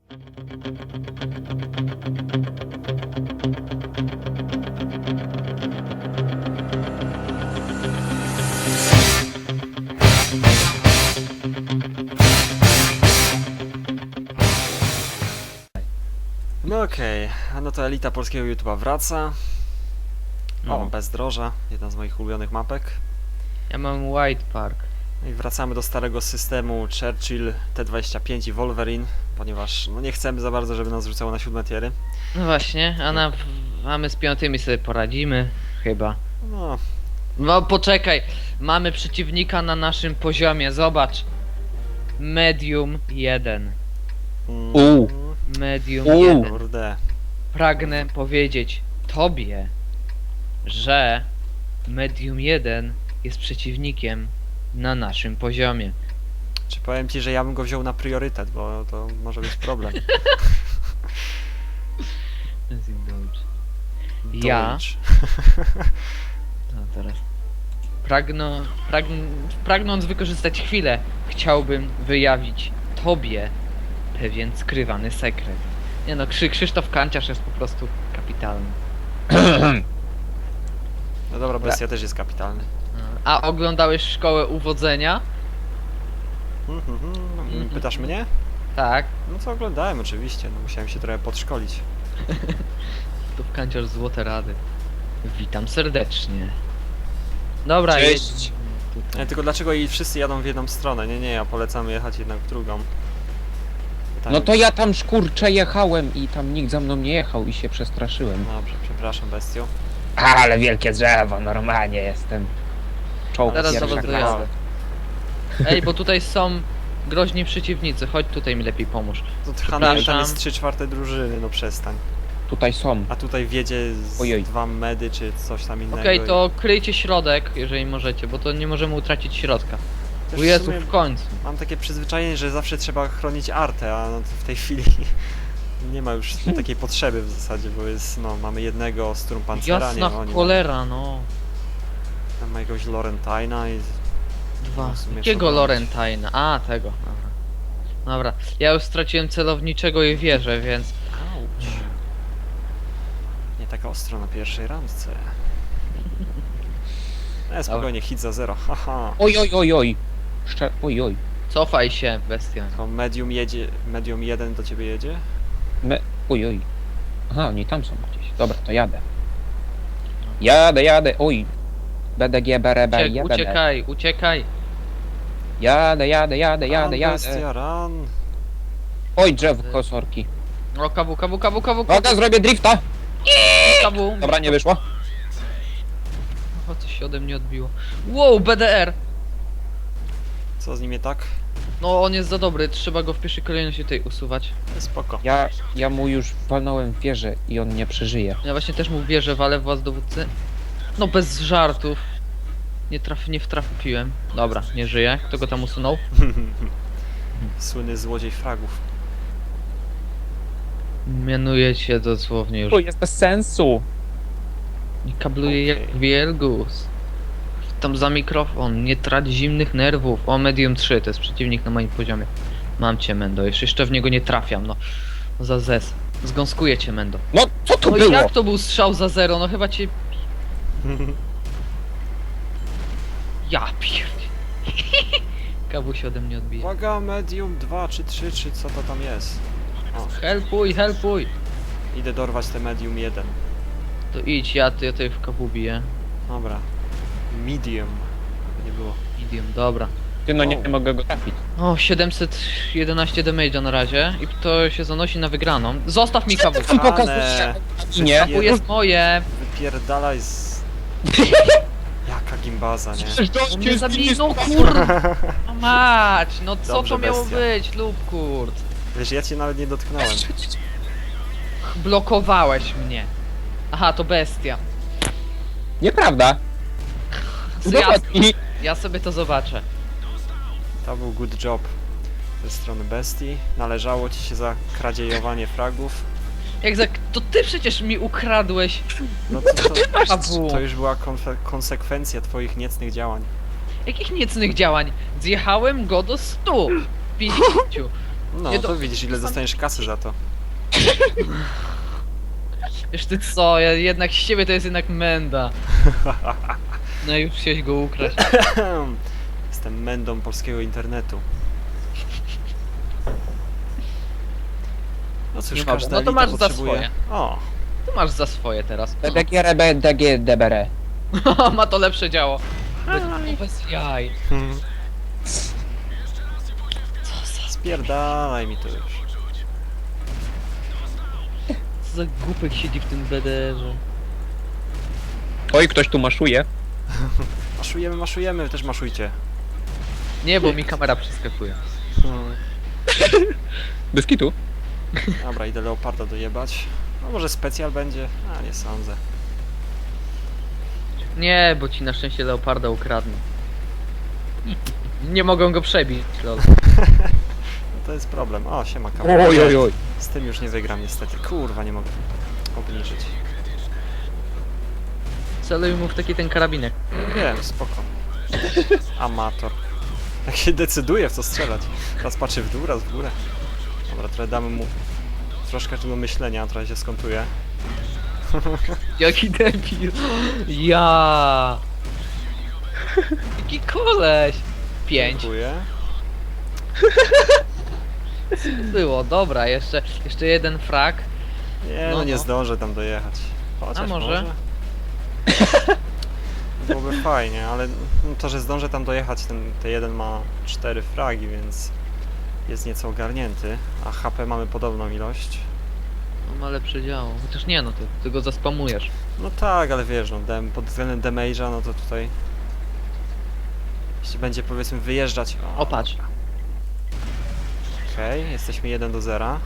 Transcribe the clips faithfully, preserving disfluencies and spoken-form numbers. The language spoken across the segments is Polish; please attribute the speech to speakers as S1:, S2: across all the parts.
S1: No okej, okay. No to elita polskiego YouTube'a wraca. O,
S2: No.
S1: Bezdroża, jedna z moich ulubionych mapek.
S2: Ja mam White Park.
S1: No i wracamy do starego systemu Churchill, T dwadzieścia pięć i Wolverine, ponieważ no nie chcemy za bardzo, żeby nas rzucało na siódme tiery.
S2: No właśnie, a na, a my z piątymi sobie poradzimy, chyba.
S1: No,
S2: No poczekaj, mamy przeciwnika na naszym poziomie, zobacz. Medium jeden.
S1: mm,
S3: U.
S2: Medium
S3: U.
S2: jeden.
S1: Kurde.
S2: Pragnę powiedzieć tobie, że Medium jeden jest przeciwnikiem na naszym poziomie.
S1: Czy powiem ci, że ja bym go wziął na priorytet, bo to może być problem.
S2: Ja?
S1: Deutsch.
S2: No teraz. Pragno, pragn, pragnąc wykorzystać chwilę, chciałbym wyjawić tobie pewien skrywany sekret. Nie no, Krzy, Krzysztof Kanciarz jest po prostu kapitalny.
S1: No dobra, bestia też jest kapitalny.
S2: A oglądałeś Szkołę Uwodzenia?
S1: Mhm, mhm. Pytasz mnie?
S2: Tak.
S1: No to oglądałem oczywiście, no musiałem się trochę podszkolić.
S2: Krzysztof Kanciarz, złote rady. Witam serdecznie. Dobra,
S3: Cześć.
S2: jedź tutaj.
S1: Nie, tylko dlaczego i wszyscy jadą w jedną stronę? Nie, nie, ja polecam jechać jednak w drugą. Tam...
S3: No to ja tam szkurcze jechałem i tam nikt za mną nie jechał i się przestraszyłem.
S1: Dobrze, przepraszam bestio.
S3: Ale wielkie drzewo, normalnie jestem. Czołg
S2: Zaraz
S3: pierwsza
S2: zobacz,
S3: klasa.
S2: dojadę. Ej, bo tutaj są groźni przeciwnicy, chodź tutaj mi lepiej pomóż.
S1: To Hanoi tam
S2: Przepraszam.
S1: jest trzy czwarte drużyny, no przestań.
S3: Tutaj są.
S1: A tutaj wiedzie z
S3: Ojej.
S1: dwa medy czy coś tam innego.
S2: Okej,
S1: i-
S2: to kryjcie środek, jeżeli możecie, bo to nie możemy utracić środka.
S1: Też
S2: O
S1: w
S2: Jezu,
S1: sumie
S2: w końcu.
S1: Mam takie przyzwyczajenie, że zawsze trzeba chronić artę, a no to w tej chwili nie ma już takiej potrzeby w zasadzie, bo jest, no, mamy jednego Sturmpancera, nie
S2: Jasna
S1: ma oni
S2: cholera, no.
S1: Tam ma jakiegoś Laurentine'a i...
S2: Dwa.
S1: w sumie
S2: Jakiego
S1: co
S2: Laurentine'a? A, tego. Dobra. Dobra, ja już straciłem celowniczego i wieżę, więc...
S1: Auć. Nie taka ostro na pierwszej randce. Nie, spokojnie, hit za zero, haha.
S3: Oj, oj, oj, oj. Szcze... Oj, oj.
S2: Cofaj się, bestia.
S1: To medium jedzie, medium jeden do ciebie jedzie?
S3: Me... Oj, oj. Aha, oni tam są gdzieś. Dobra, to jadę. Jadę, jadę, oj. B D G, B R B,
S2: Uciek,
S3: jadę.
S2: uciekaj, uciekaj.
S3: Jadę, jadę, jadę, jadę,
S1: Run,
S3: jadę.
S1: bestia, run.
S3: Oj, drzewko, sorki.
S2: O, kawu, kawu, kawu, kawu,
S3: Uwaga, zrobię drifta.
S2: kawu.
S3: Dobra, nie wyszło.
S2: O, coś się ode mnie odbiło. Wow, B D R!
S1: Co z nim nie tak?
S2: No, on jest za dobry, trzeba go w pierwszej kolejności tutaj usuwać.
S1: Spoko.
S3: Ja, ja mu już walnąłem w wieżę i on nie przeżyje.
S2: Ja właśnie też mu wierzę, walę w was dowódcy. No, bez żartów. Nie traf, nie wtrafiłem. Dobra, nie żyje. Kto go tam usunął?
S1: Słynny złodziej fragów.
S2: Mianuję cię dosłownie już.
S3: To jest bez sensu.
S2: I kabluje
S1: Okej.
S2: jak wielgus. Tam za mikrofon, nie trać zimnych nerwów. O, medium trzy, to jest przeciwnik na moim poziomie. Mam cię, Mendo, jeszcze, jeszcze w niego nie trafiam, no. Za zes. Zgąskuję cię, Mendo.
S3: No, co to
S2: No
S3: było?
S2: jak to był strzał za zero? No chyba cię... Ja pierdolę. Kawu się ode mnie odbije.
S1: Uwaga, medium dwa czy trzy, czy co to tam jest? O,
S2: Helpuj, helpuj!
S1: idę dorwać te medium jeden.
S2: To idź, ja, ja tutaj w kawu biję.
S1: Dobra. Medium. Nie było.
S2: Medium, dobra.
S3: Ty, no nie
S1: O.
S3: mogę go trafić.
S2: O, siedemset jedenaście damage'a na razie i to się zanosi na wygraną. Zostaw mi kawu.
S3: Tam
S1: Ane.
S3: pokazuje. Nie.
S2: Tu jest moje.
S1: Wypierdalaj z... Jaka gimbaza, nie?
S2: On mnie zabili, no kurwa mać, no co
S1: Dobrze,
S2: to miało
S1: bestia.
S2: być, lub kurt.
S1: Wiesz, ja cię nawet nie dotknąłem.
S2: Blokowałeś mnie. Aha, to bestia.
S3: Nieprawda.
S2: Ja,
S3: Udowodnij.
S2: ja sobie to zobaczę.
S1: To był good job ze strony bestii. Należało ci się za kradziejowanie fragów.
S2: Jak za... To ty przecież mi ukradłeś.
S1: No to, to,
S2: Kawu.
S1: to już była konfe- konsekwencja twoich niecnych działań.
S2: Jakich niecnych działań? Zjechałem go do stu. pięćdziesięciu.
S1: No
S2: Nie
S1: to
S2: do-
S1: widzisz, ile dostaniesz kasy za to.
S2: Wiesz ty co, ja jednak z ciebie to jest jednak menda. No i już chciałeś go ukraść.
S1: Jestem mędą polskiego internetu. No cóż,
S2: Nie mogę.
S1: każda
S2: No to
S1: elita
S2: masz za
S1: potrzebuje...
S2: swoje.
S1: O,
S2: Tu masz za swoje teraz.
S3: D D G R B D G D B R.
S2: Ma to lepsze działo. Be- Bez jaj.
S1: spierdalaj mi to już.
S2: Co za głupek siedzi w tym B D R-ze.
S3: Oj, ktoś tu maszuje.
S1: Maszujemy, maszujemy, wy też maszujcie.
S2: Nie, bo mi kamera przeskakuje.
S1: Hmm.
S3: Bez kitu.
S1: Dobra, idę leoparda dojebać. No może specjal będzie? A, nie sądzę.
S2: Nie, bo ci na szczęście leoparda ukradną. Nie mogą go przebić, lol.
S1: No to jest problem. O, siema kamera.
S3: Oj, oj, oj.
S1: Z tym już nie wygram niestety. Kurwa, nie mogę obniżyć.
S2: Celuj mu w taki ten karabinek.
S1: Wiem, spoko. Amator. Jak się decyduje w co strzelać. Raz patrzy w dół, raz w górę. Dobra, trochę damy mu troszkę tu do myślenia, trochę się skontuje.
S2: Jaki debil. Ja. Jaki koleś. Pięć.
S1: Dziękuję.
S2: Było, dobra, jeszcze, jeszcze jeden frak.
S1: Nie,
S2: No,
S1: no nie
S2: no.
S1: zdążę tam dojechać. Chociaż
S2: A może?
S1: Byłoby fajnie, ale to, że zdążę tam dojechać, ten, ten jeden ma cztery fragi, więc jest nieco ogarnięty, a H P mamy podobną ilość.
S2: On ma lepsze działo. Chociaż nie no, ty, ty go zaspamujesz.
S1: No tak, ale wiesz, no, dem, pod względem damage'a, no to tutaj... Jeśli będzie, powiedzmy, wyjeżdżać...
S2: O, patrz.
S1: Okej, okay, jesteśmy jeden do zera.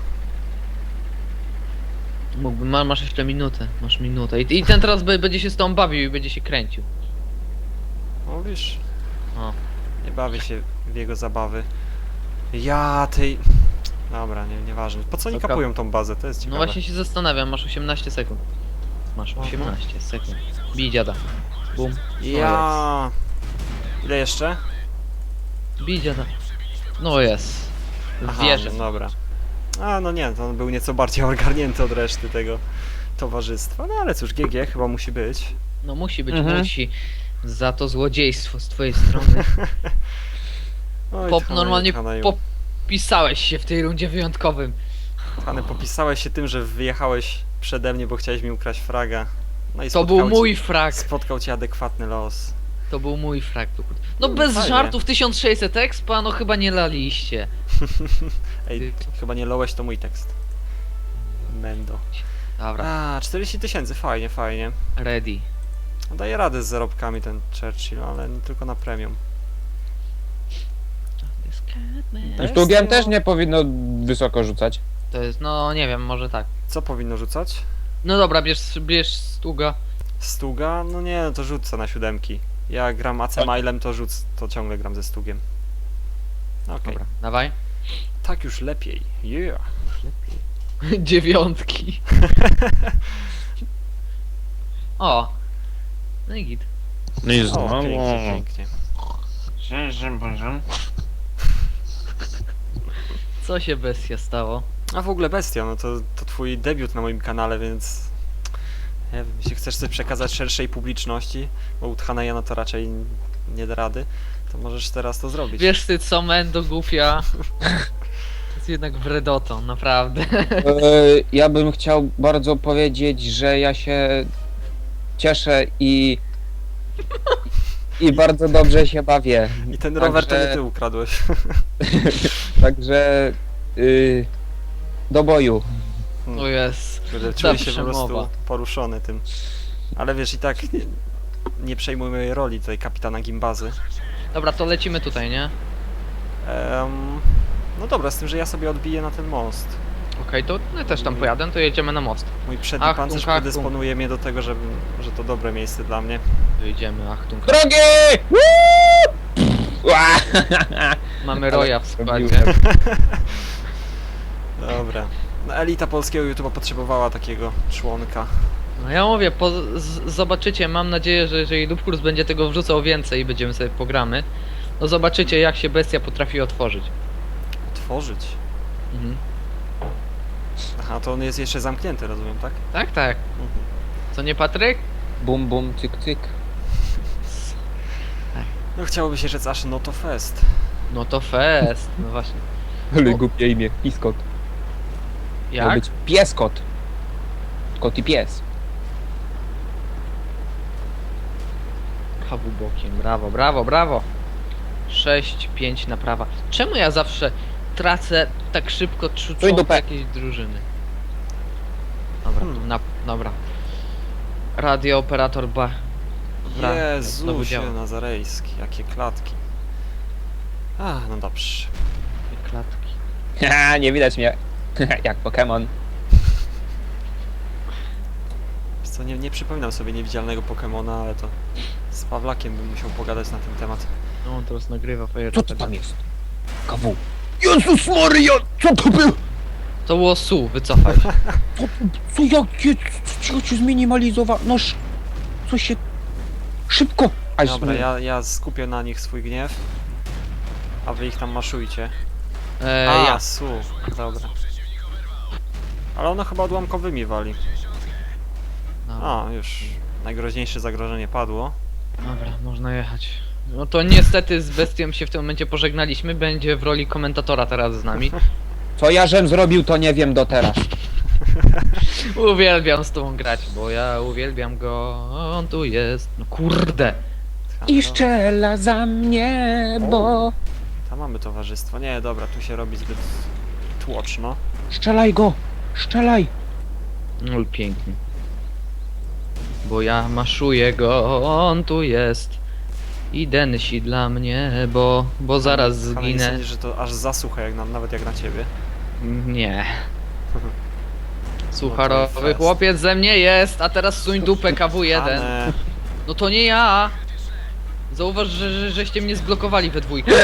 S2: Mógłby, ma, masz jeszcze minutę, masz minutę. I, i ten teraz be- będzie się z tą bawił i będzie się kręcił.
S1: Mówisz?
S2: O.
S1: Nie bawię się w jego zabawy. Ja tej... Dobra, nie, nieważne. Po co oni
S2: Dobra.
S1: kapują tą bazę? To jest
S2: No
S1: ciekawe.
S2: właśnie się zastanawiam, masz osiemnaście sekund. Masz
S1: Aha.
S2: osiemnaście sekund. Bij dziada. Bum.
S1: Ja... Ile jeszcze?
S2: Bij dziada. No jest.
S1: Aha,
S2: Wierzę.
S1: no dobra. A, no nie, to on był nieco bardziej ogarnięty od reszty tego towarzystwa. No ale cóż, G G chyba musi być.
S2: No musi być,
S3: Mhm.
S2: musi. Za to złodziejstwo z twojej strony.
S1: Oj,
S2: Pop,
S1: Tchany,
S2: normalnie
S1: Tchany,
S2: popisałeś się w tej rundzie wyjątkowym.
S1: Tchany, popisałeś się tym, że wyjechałeś przede mnie, bo chciałeś mi ukraść fraga. No i
S2: To
S1: spotkał
S2: był
S1: cię-
S2: mój frak.
S1: Spotkał cię adekwatny los.
S2: To był mój frak. Tukut. No
S1: Mm,
S2: bez
S1: fajnie.
S2: żartów, tysiąc sześćset expa, no chyba nie laliście.
S1: Ej, chyba nie lołeś, to mój tekst. Mendo.
S2: Dobra,
S1: A, czterdzieści tysięcy, fajnie, fajnie.
S2: ready.
S1: Daje radę z zarobkami ten Churchill, ale nie tylko na premium.
S3: Sztugiem też nie powinno wysoko rzucać.
S2: To jest, no nie wiem, może tak.
S1: Co powinno rzucać?
S2: No dobra, bierz, bierz stuga.
S1: Stuga? No nie, no to rzucę na siódemki. Ja gram A C Milem, to rzuc, to ciągle gram ze Stugiem. Okej.
S2: Dobra, dawaj.
S1: Tak już lepiej. Yeah.
S2: Dziewiątki. O. No i git.
S3: No i
S1: O, pięknie, pięknie.
S2: Co się bestia stało?
S1: A w ogóle bestia, no to, to twój debiut na moim kanale, więc... Nie wiem, jeśli chcesz coś przekazać szerszej publiczności, bo u Tchaneja no to raczej nie da rady, to możesz teraz to zrobić.
S2: Wiesz ty co, Mendo głupia. To jest jednak wredoton, naprawdę.
S3: E, ja bym chciał bardzo powiedzieć, że ja się cieszę i i bardzo dobrze się bawię.
S1: I ten rower to nie
S3: Także-
S1: ty ukradłeś.
S3: Także y, do boju.
S2: O jest.
S1: Kurde, Czuję się po
S2: przemowa.
S1: prostu poruszony tym. Ale wiesz, i tak nie, nie przejmuj mojej roli tutaj kapitana Gimbazy.
S2: Dobra, to lecimy tutaj, nie?
S1: Em, no dobra, z tym, że ja sobie odbiję na ten most.
S2: Okej, to ja też tam pojadę, to jedziemy na most.
S1: Mój przedni
S2: Achtung,
S1: pancerz
S2: achtung.
S1: predysponuje mnie do tego, że, że to dobre miejsce dla mnie.
S2: Wyjdziemy, achtung.
S3: Drogi! Woo! Ła!
S2: Mamy Roya w składzie.
S3: Robiłem.
S1: Dobra. No, elita polskiego YouTube'a potrzebowała takiego członka.
S2: No ja mówię, po, z, zobaczycie, mam nadzieję, że jeżeli Lubkurs będzie tego wrzucał więcej i będziemy sobie pogramy, no zobaczycie jak się bestia potrafi otworzyć.
S1: Otworzyć.
S2: Mhm.
S1: Aha, to on jest jeszcze zamknięty, rozumiem, tak?
S2: Tak, tak.
S1: Mhm.
S2: Co nie, Patryk?
S3: Bum, bum, cyk, cyk.
S1: No chciałoby się rzec aż no to fest.
S2: No to fest. No właśnie.
S3: Ale
S2: O.
S3: głupie imię, piskot. Miał
S2: Jak?
S3: być pieskot. Kot i pies.
S2: Kawu bokiem. Brawo, brawo, brawo. sześć pięć na prawa. Czemu ja zawsze tracę tak szybko trzy
S3: Stój dupę.
S2: jakieś drużyny? Dobra,
S1: Hmm.
S2: na, dobra. Radio operator ba... Bra... znowu
S1: Jezusie
S2: działa.
S1: Nazarejski, jakie klatki. A, no dobrze.
S2: Klatki.
S3: Haha, nie widać mnie. Jak Pokémon.
S1: Wiesz co, nie, nie przypominam sobie niewidzialnego Pokemona, ale to z Pawlakiem bym musiał pogadać na ten temat.
S2: No on teraz nagrywa fajer.
S3: Co to tam jest? Kawu. Jezus Maria! Co to było?
S2: To było su, wycofaj się.
S3: Co, co jakie? Co się zminimalizowało? No sz... Co się... Szybko! Aż
S1: Dobra, ja, ja skupię na nich swój gniew, a wy ich tam maszujcie.
S2: E,
S1: A,
S2: ja.
S1: su, dobra. Ale ono chyba odłamkowymi wali.
S2: Dobra.
S1: A, już najgroźniejsze zagrożenie padło.
S2: Dobra, można jechać. No to niestety z bestią się w tym momencie pożegnaliśmy. Będzie w roli komentatora teraz z nami.
S3: Co ja żem zrobił, to nie wiem do teraz.
S2: Uwielbiam z tobą grać, bo ja uwielbiam go. On tu jest. No kurde.
S3: I szczela za mnie, bo...
S1: Tam mamy towarzystwo. Nie, dobra, tu się robi zbyt tłoczno.
S3: Strzelaj go! Strzelaj!
S2: No pięknie. Bo ja maszuję go, on tu jest. I densi dla mnie, bo, bo zaraz
S1: Ale nie
S2: zginę.
S1: sądzisz, że to aż zasłucha, jak na, nawet jak na ciebie.
S2: Nie.
S1: No to
S2: Sucharowy
S1: fest.
S2: chłopiec ze mnie jest, a teraz suń dupę K W jeden.
S1: Ane.
S2: No to nie ja. Zauważ, że, że żeście mnie zblokowali we dwójkę.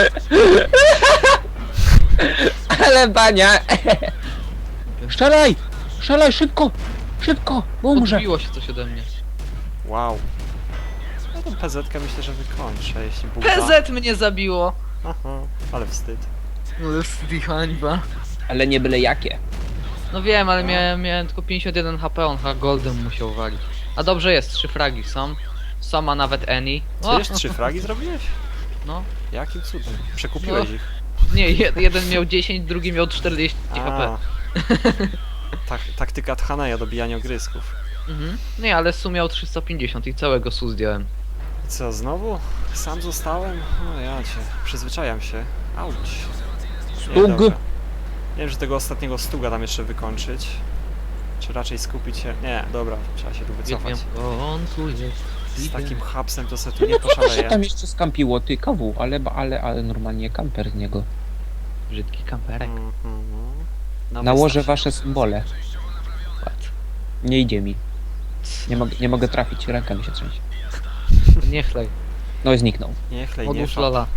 S3: Ale bania! Strzelaj! Strzelaj szybko! Szybko! Bo umrze!
S2: Odbiło się coś ode mnie.
S1: Wow. Ja tą P Z-kę myślę, że wykończę, jeśli Bóg da.
S2: P Z mnie zabiło.
S1: Aha, ale wstyd.
S2: No jest i hańba.
S3: Ale nie byle jakie.
S2: No wiem, ale miałem, miałem tylko pięćdziesiąt jeden H P, on chyba goldem musiał walić. A dobrze jest, trzy fragi są. Sama nawet Eni.
S1: Co, już trzy fragi zrobiłeś?
S2: No.
S1: Jakim cudem? Przekupiłeś
S2: No.
S1: ich.
S2: Nie, jed, jeden miał dziesięć, drugi miał czterdzieści H P.
S1: A. Tak, taktyka Tchaneja, dobijanie ogrysków.
S2: Mhm. Nie, ale Su miał trzysta pięćdziesiąt i całego Su zdjąłem.
S1: I co, znowu? Sam zostałem? No ja cię, przyzwyczajam się. Auć. Nie,
S3: Stug.
S1: dobra. Nie wiem, że tego ostatniego stuga tam jeszcze wykończyć. Czy raczej skupić się... Nie, dobra, trzeba się tu wycofać.
S2: Wiem, bo on tu jest.
S1: Z takim hapsem to se tu
S3: No
S1: nie
S3: co to się
S1: poszaleje.
S3: tam jeszcze skampiło? Ty, kawu, ale, ale, ale normalnie kamper z niego.
S2: Brzydki kamperek.
S1: Mhm. No,
S3: Nałożę
S1: wystaw.
S3: wasze symbole. Nie idzie mi. Nie, mogę nie mogę trafić, ręka mi się trzęsie.
S2: Nie chlej.
S3: No i zniknął.
S1: Nie chlej, nie
S2: Odłóż
S1: fap.
S2: lala.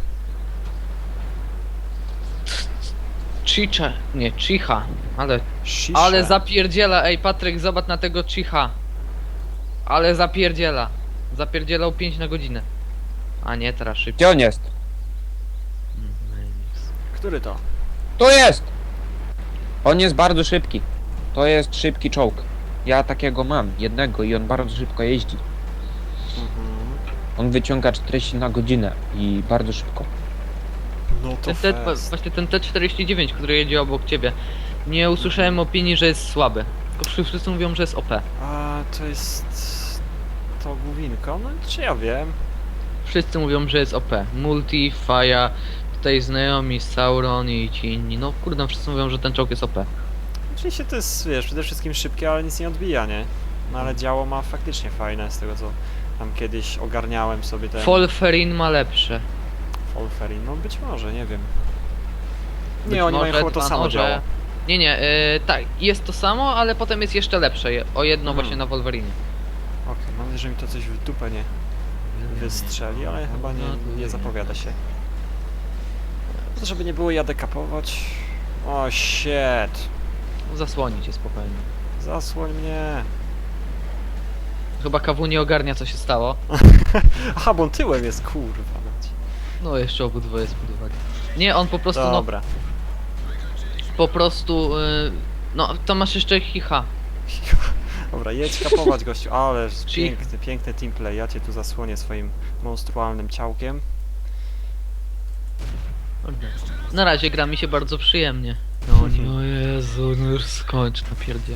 S2: Chicha. Nie, Chicha. Ale,
S1: Shisha.
S2: ale zapierdziela. Ej, Patryk, zobacz na tego Chicha. Ale zapierdziela. Zapierdzielał pięć na godzinę. A nie, teraz szybciej.
S3: Gdzie on jest?
S1: Który to?
S3: To jest! On jest bardzo szybki. To jest szybki czołg. Ja takiego mam, jednego i on bardzo szybko jeździ.
S1: Mhm.
S3: On wyciąga czterdzieści na godzinę i bardzo szybko.
S1: No to
S2: Ten T,
S1: fest.
S2: właśnie ten T czterdzieści dziewięć, który jedzie obok ciebie. Nie usłyszałem opinii, że jest słaby. Tylko wszyscy mówią, że jest O P.
S1: A to jest... To główinko? No czy ja wiem?
S2: Wszyscy mówią, że jest O P. Multi, Faja, tutaj znajomi, Sauron i ci inni. No kurde, wszyscy mówią, że ten czołg jest O P.
S1: Oczywiście to jest, wiesz, przede wszystkim szybkie, ale nic nie odbija, nie? No ale działo ma faktycznie fajne, z tego co tam kiedyś ogarniałem sobie ten...
S2: Folferin ma lepsze.
S1: Folferin, no być może, nie wiem.
S2: Być
S1: Nie, oni mają
S2: może
S1: chyba to
S2: dwa
S1: samo
S2: noże.
S1: działo.
S2: Nie, nie, yy, tak, jest to samo, ale potem jest jeszcze lepsze. je- O jedno
S1: Mhm.
S2: właśnie na Wolverinie.
S1: Okej, mam nadzieję, że mi to coś w dupę nie wystrzeli, ale chyba nie, nie zapowiada się. To żeby nie było, jadę kapować. O shit.
S2: Zasłoni cię spokojnie.
S1: Zasłoń mnie.
S2: Chyba K W nie ogarnia, co się stało.
S1: Aha, bo on tyłem jest, kurwa. mać.
S2: No jeszcze obydwoje spróbowali. Nie, on po prostu no,
S1: Dobra.
S2: po prostu... y, no, to masz jeszcze chicha.
S1: Dobra, jedź kapować gościu, ależ
S2: Cicho.
S1: piękny, piękny teamplay. Ja cię tu zasłonię swoim monstrualnym ciałkiem.
S2: Na razie gra mi się bardzo przyjemnie. No nie, o Jezu, no już skończ, napierdziel.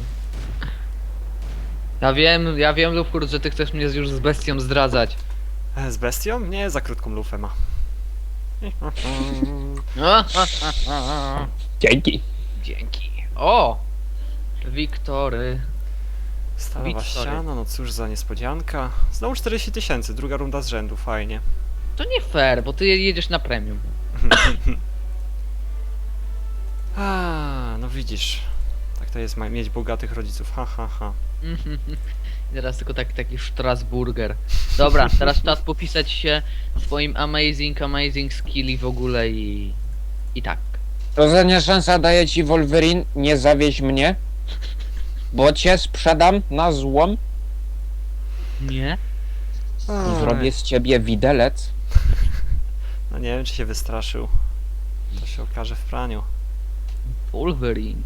S2: Ja wiem, ja wiem, Lufkur, że ty chcesz mnie już z bestią zdradzać.
S1: E, Z bestią? Nie, za krótką lufę ma.
S3: Dzięki.
S2: Dzięki. O! Wiktory.
S1: Stalowa
S2: Widz, sorry.
S1: ściana, no cóż za niespodzianka. Znowu czterdzieści tysięcy, druga runda z rzędu, fajnie.
S2: To nie fair, bo ty jedziesz na premium.
S1: A, no widzisz. Tak to jest ma- mieć bogatych rodziców, ha ha ha.
S2: I teraz tylko tak, taki Strasburger. Dobra, teraz czas popisać się swoim amazing, amazing skilli w ogóle i... I tak.
S3: Rozania szansa daje ci Wolverine, nie zawieź mnie. Bo cię sprzedam na złom.
S2: Nie?
S3: I zrobię z ciebie widelec.
S1: No nie wiem, czy się wystraszył. To się okaże w praniu.
S2: Wolverine.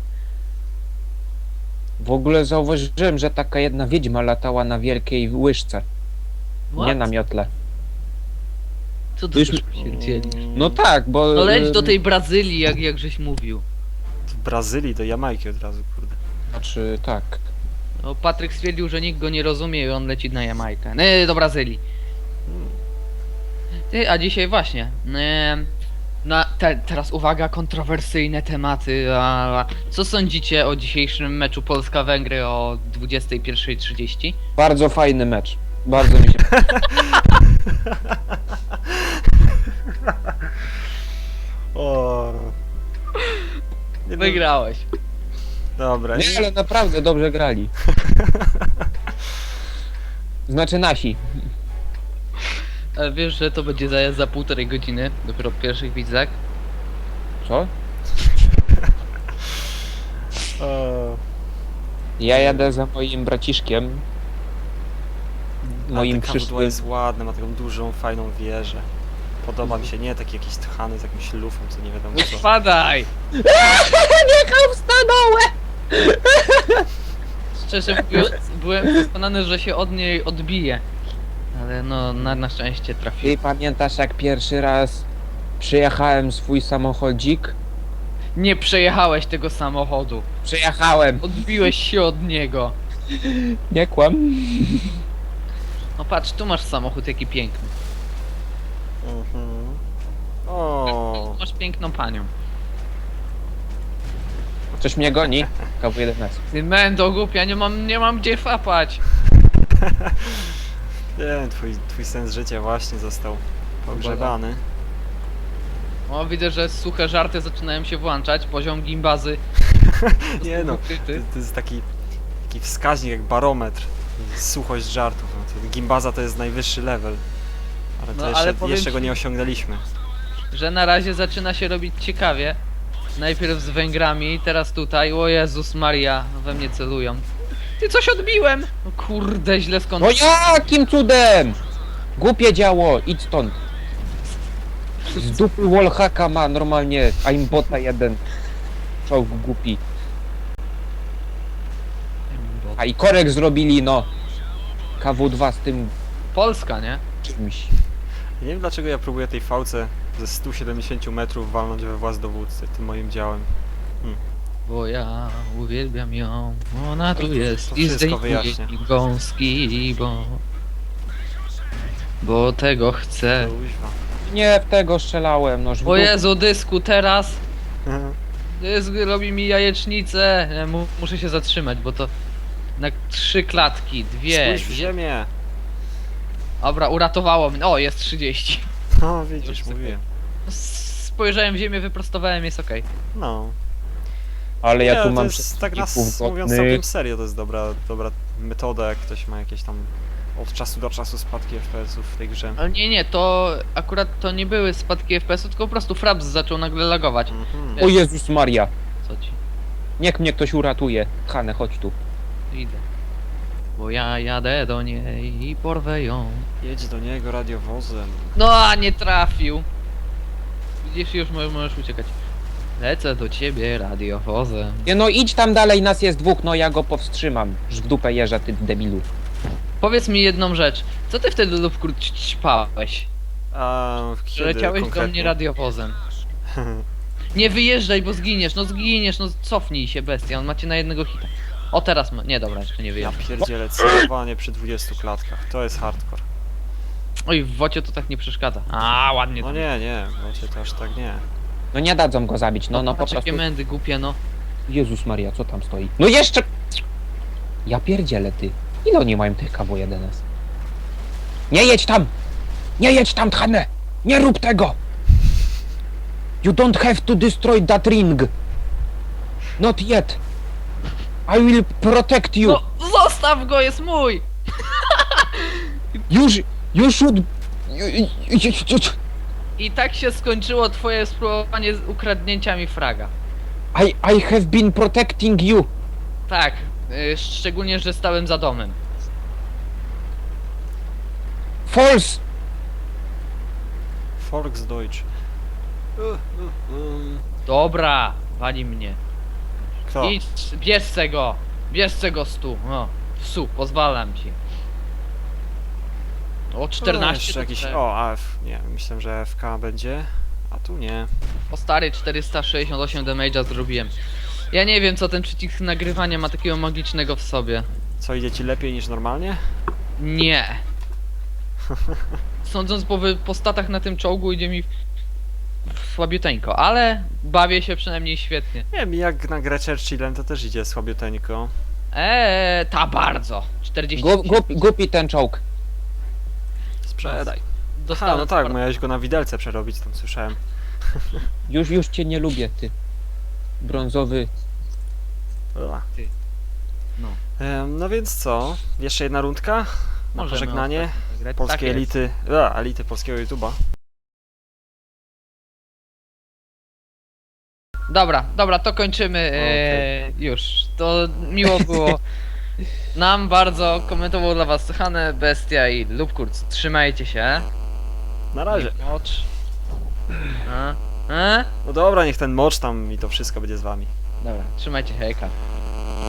S3: W ogóle zauważyłem, że taka jedna wiedźma latała na wielkiej łyżce. Nie
S2: What?
S3: na miotle.
S2: Co ty
S3: Już-
S2: też pierdzielisz?
S3: No tak, bo...
S2: No leć do
S3: y,
S2: tej Brazylii, jak, jak żeś mówił.
S1: W Brazylii do Jamajki od razu, kurde.
S3: Znaczy, tak.
S2: No, Patryk stwierdził, że nikt go nie rozumie i on leci na Jamajkę. Nie, do Brazylii. Ty, a dzisiaj właśnie. E, na, te, teraz uwaga, kontrowersyjne tematy. A, co sądzicie o dzisiejszym meczu Polska-Węgry o dwudziestej pierwszej trzydzieści?
S3: Bardzo fajny mecz. Bardzo mi się...
S1: O. Nie no,
S2: Wygrałeś.
S1: Dobra,
S3: Nie, ale naprawdę dobrze grali. Znaczy nasi.
S2: Ale wiesz, że to będzie za, za półtorej godziny, dopiero w pierwszych widzach.
S3: Co?
S1: O.
S3: Ja jadę za moim braciszkiem. Moim
S1: A te kawudło
S3: przyszłym...
S1: jest ładne, ma taką dużą, fajną wieżę. Podoba mi się, nie taki jakiś tchany z jakimś lufą, co nie wiadomo co.
S2: Spadaj!
S3: Jechał stanąłem!
S2: Szczerze mówiąc, byłem przekonany, że się od niej odbije. Ale no, na, na szczęście trafiłem.
S3: Ty pamiętasz, jak pierwszy raz przyjechałem swój samochodzik?
S2: Nie przejechałeś tego samochodu.
S3: Przyjechałem!
S2: Odbiłeś się od niego.
S3: Nie kłam.
S2: No patrz, tu masz samochód, jaki piękny.
S1: Mhm. O.
S2: Masz piękną panią.
S3: Coś mnie goni? K W jeden S.
S2: Ty mendo głupia, nie mam, nie mam gdzie fapać.
S1: Nie, twój, twój sens życia właśnie został pogrzebany.
S2: O, widzę, że suche żarty zaczynają się włączać. Poziom gimbazy.
S1: Nie no, to,
S2: ukryty.
S1: to jest taki, taki wskaźnik jak barometr. Suchość żartów. No, to Gimbaza to jest najwyższy level. Ale to
S2: No,
S1: jeszcze,
S2: ale powiem
S1: jeszcze go
S2: ci-
S1: nie osiągnęliśmy.
S2: Że na razie zaczyna się robić ciekawie. Najpierw z Węgrami, teraz tutaj. O Jezus Maria, we mnie celują. Ty coś odbiłem! No kurde, źle skąd.
S3: No jakim cudem? Głupie działo, idź stąd. Z dupy wallhacka ma normalnie aimbota jeden. Czołg głupi. A i korek zrobili, no. K W dwa z tym
S2: Polska, nie?
S3: czymś.
S1: Nie wiem dlaczego ja próbuję tej fałce ze stu siedemdziesięciu metrów walnąć we włas dowódcy tym moim działem.
S2: Bo ja uwielbiam ją, ona tu
S1: To-
S2: jest
S1: to
S2: i
S1: wszystko
S2: zdejmuje
S1: wyjaśnia.
S2: mi gąski, bo... Bo tego chcę.
S1: Kuźwa.
S3: Nie w tego strzelałem, no.
S2: O Jezu, dysku, teraz! Dysk robi mi jajecznicę! Nie, mu, muszę się zatrzymać, bo to... Na trzy klatki, dwie...
S1: Spójrz w ziemię!
S2: Dobra, uratowało mnie. O, jest trzydzieści.
S1: No widzisz,
S2: Już
S1: mówiłem.
S2: Spojrzałem w ziemię, wyprostowałem, jest okej.
S1: No.
S3: Ale ja
S1: Nie,
S3: tu
S1: to
S3: mam
S1: jest, tak nas
S3: przeciwników
S1: mówiąc
S3: godnych.
S1: całkiem serio, to jest dobra, dobra metoda, jak ktoś ma jakieś tam od czasu do czasu spadki F P S-ów w tej grze.
S2: Ale nie, nie, to akurat to nie były spadki F P S-u, tylko po prostu Fraps zaczął nagle lagować.
S1: Mhm.
S3: O Jezus Maria.
S2: Co ci?
S3: Niech mnie ktoś uratuje. Hane, chodź tu.
S2: Idę. Bo ja jadę do niej i porwę ją.
S1: Jedź do niego radiowozem.
S2: No, a nie trafił. Widzisz, już mo- możesz uciekać. Lecę do ciebie radiowozem.
S3: Nie no idź tam dalej, nas jest dwóch, no ja go powstrzymam. Już w dupę jeżdżę, ty debilu.
S2: Powiedz mi jedną rzecz. Co ty wtedy lub krótko ćpałeś?
S1: A kiedy
S2: Leciałeś do
S1: konkretnie?
S2: mnie radiowozem. Nie wyjeżdżaj, bo zginiesz, no zginiesz, no cofnij się bestia, on macie na jednego hita. O teraz ma, nie dobra, jeszcze nie
S1: Ja
S2: wyjeżdżaj.
S1: pierdzielę, celowanie przy dwudziestu klatkach. To jest hardcore.
S2: Oj, w wocie to tak nie przeszkadza. A ładnie
S1: No
S2: tam.
S1: nie, nie, wiecie, to aż tak nie.
S3: No nie dadzą go zabić, no no po
S2: Patrz,
S3: prostu.
S2: jakie mędy głupie, no.
S3: Jezus Maria, co tam stoi? No jeszcze! Ja pierdzielę ty. Ile oni mają tych K W jeden S? Nie jedź tam! Nie jedź tam, Tchane! Nie rób tego! You don't have to destroy that ring! Not yet! I will protect you!
S2: No, zostaw go, jest mój!
S3: You, sh- you should... You, you, you, you,
S2: I tak się skończyło twoje spróbowanie z ukradnięcia mi fraga.
S3: I, I have been protecting you!
S2: Tak, y, szczególnie, że stałem za domem.
S3: False!
S1: Volksdeutsch. Uh, uh, um.
S2: Dobra, wali mnie.
S1: Kto?
S2: Idź, bierz se go! Bierz se go stu, no. Su, pozwalam ci. O
S1: O,
S2: czternaście
S1: jeszcze
S2: to
S1: jakiś...
S2: trzeba.
S1: O, A F. Nie, myślałem, że F K będzie. A tu nie.
S2: O stary, czterysta sześćdziesiąt osiem damage'a zrobiłem. Ja nie wiem, co ten przycisk nagrywania ma takiego magicznego w sobie.
S1: Co, idzie ci lepiej niż normalnie?
S2: Nie. Sądząc po, wy- po statach na tym czołgu idzie mi słabiuteńko, ale bawię się przynajmniej świetnie.
S1: Nie wiem, jak na grę Churchillem to też idzie słabiuteńko.
S2: Eee, ta bardzo. czterdzieści.
S3: Gu- Głupi, głupi ten czołg.
S1: Sprzedaj. Aha,
S2: Dostałem
S1: no tak,
S2: sporo.
S1: miałeś go na widelce przerobić, tam słyszałem.
S3: Już, już cię nie lubię, ty. Brązowy.
S1: Ua.
S2: Ty. No.
S1: Em, no więc co? Jeszcze jedna rundka? Na
S2: Możemy
S1: pożegnanie
S2: ostatnio zagrać.
S1: polskiej
S2: Tak jest.
S1: elity. A, elity polskiego YouTube'a.
S2: Dobra, dobra, to kończymy. Eee, już. To miło było nam bardzo. Komentował dla was Hane, Bestia i Lubkurc. Trzymajcie się.
S1: Na razie.
S2: Mocz. A? A?
S1: No dobra, niech ten mocz tam i to wszystko będzie z wami.
S2: Dobra, trzymajcie się, hejka.